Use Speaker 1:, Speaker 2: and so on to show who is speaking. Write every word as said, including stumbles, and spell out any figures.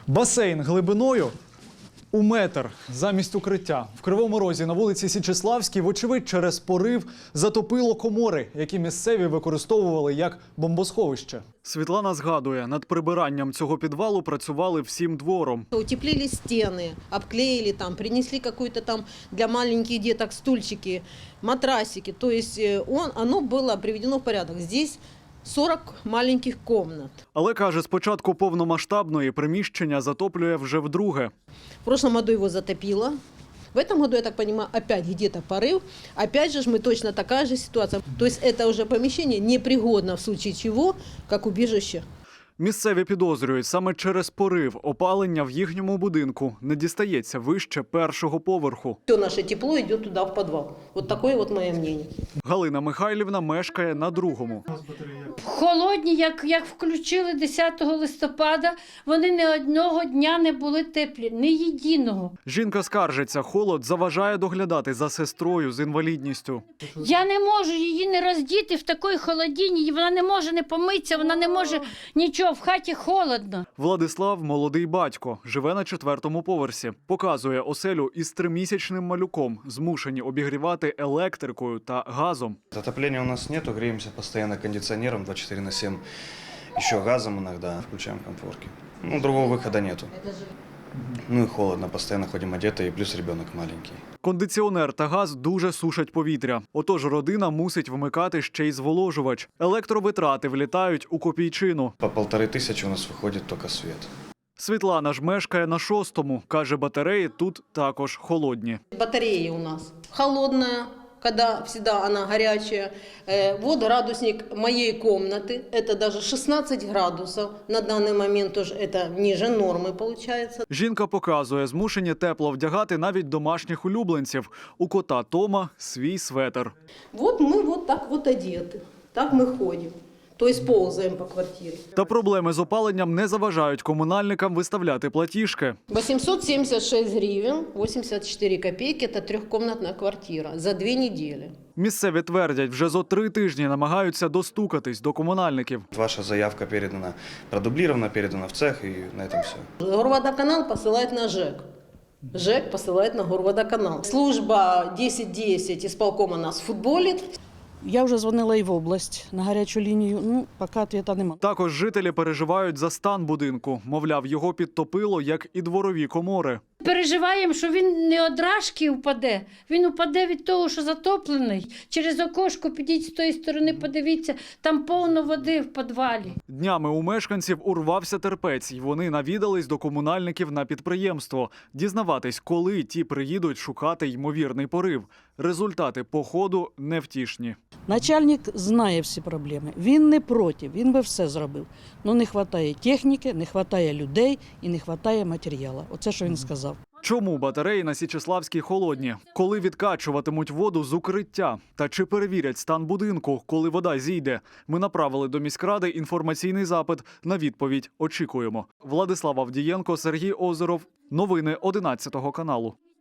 Speaker 1: Басейн глибиною у метр замість укриття. В Кривому Розі на вулиці Січеславській, вочевидь, через порив затопило комори, які місцеві використовували як бомбосховище. Світлана згадує, над прибиранням цього підвалу працювали всім двором.
Speaker 2: Утеплили стены, обклеили там, принесли какую-то там для маленьких деток стульчики, матрасики. То есть он, оно было приведено в порядок. Здесь сорок маленьких комнат.
Speaker 1: Але, каже, з початку повномасштабної приміщення затоплює вже вдруге.
Speaker 2: В прошлом году его затопило. В этом году, я так понимаю, опять где-то порыв. Опять же, мы точно такая же ситуация. То есть это уже помещение непригодно в случае чего, как убежище.
Speaker 1: Місцеві підозрюють, саме через порив опалення в їхньому будинку не дістається вище першого поверху.
Speaker 2: Все наше тепло идет туда, в подвал. Вот такое вот мое мнение.
Speaker 1: Галина Михайлівна мешкає на другому.
Speaker 3: Холодні, як, як включили десятого листопада, вони ні одного дня не були теплі, ні єдиного.
Speaker 1: Жінка скаржиться, холод заважає доглядати за сестрою з інвалідністю.
Speaker 3: Я не можу її не роздіти в такій холодині, вона не може не помитися, вона не може нічого, в хаті холодно.
Speaker 1: Владислав – молодий батько, живе на четвертому поверсі. Показує оселю із тримісячним малюком, змушені обігрівати електрикою та газом.
Speaker 4: Отопления у нас нету, греемся постоянно кондиционером двадцать четыре на семь, еще газом иногда, включаем комфорки. Ну, другого выхода нету. Ну и холодно, постоянно ходим одетые, плюс ребенок маленький.
Speaker 1: Кондиціонер та газ дуже сушать повітря. Отож родина мусить вмикати ще й зволожувач. Електровитрати влітають у копійчину.
Speaker 4: По полторы тысячи у нас выходит только свет.
Speaker 1: Світлана ж мешкає на шостому. Каже, батареї тут також холодні.
Speaker 2: Батарея у нас холодная, когда всегда она горячая. Э, Вот градусник моей комнаты, это даже шестнадцать градусов. На данный момент тоже это ниже нормы получается.
Speaker 1: Жінка показує, змушені тепло вдягати навіть домашніх улюбленців. У кота Тома свій светр.
Speaker 2: Вот мы вот так вот одеты, так мы ходим. То есть ползаем по квартире.
Speaker 1: Та проблеми з опаленням не заважають комунальникам виставляти платіжки.
Speaker 2: восемьсот семьдесят шесть гривен, восемьдесят четыре копейки – это трехкомнатная квартира за две недели.
Speaker 1: Місцеві твердять, вже зо три тижні намагаються достукатись до комунальників.
Speaker 4: Ваша заявка передана, продублирована, передана в цех, и на этом все.
Speaker 2: Горводоканал посылает на ЖЭК. ЖЭК посылает на Горводоканал. Служба десять десять исполкома нас футболит.
Speaker 5: Я вже дзвонила і в область на гарячу лінію, ну, поки відповіді немає.
Speaker 1: Також жителі переживають за стан будинку. Мовляв, його підтопило, як і дворові комори.
Speaker 3: Переживаємо, що він не одражки впаде, він упаде від того, що затоплений. Через окошко підіть з тої сторони, подивіться, там повно води в підвалі.
Speaker 1: Днями у мешканців урвався терпець, і вони навідались до комунальників на підприємство. Дізнаватись, коли ті приїдуть шукати ймовірний порив. Результати походу невтішні.
Speaker 5: Начальник знає всі проблеми, він не проти, він би все зробив. Ну не вистачає техніки, не вистачає людей і не вистачає матеріалу. Оце, що він сказав.
Speaker 1: Чому батареї на Січеславській холодні? Коли відкачуватимуть воду з укриття? Та чи перевірять стан будинку, коли вода зійде? Ми направили до міськради інформаційний запит. На відповідь очікуємо. Владислав Авдієнко, Сергій Озеров. Новини одинадцятого каналу.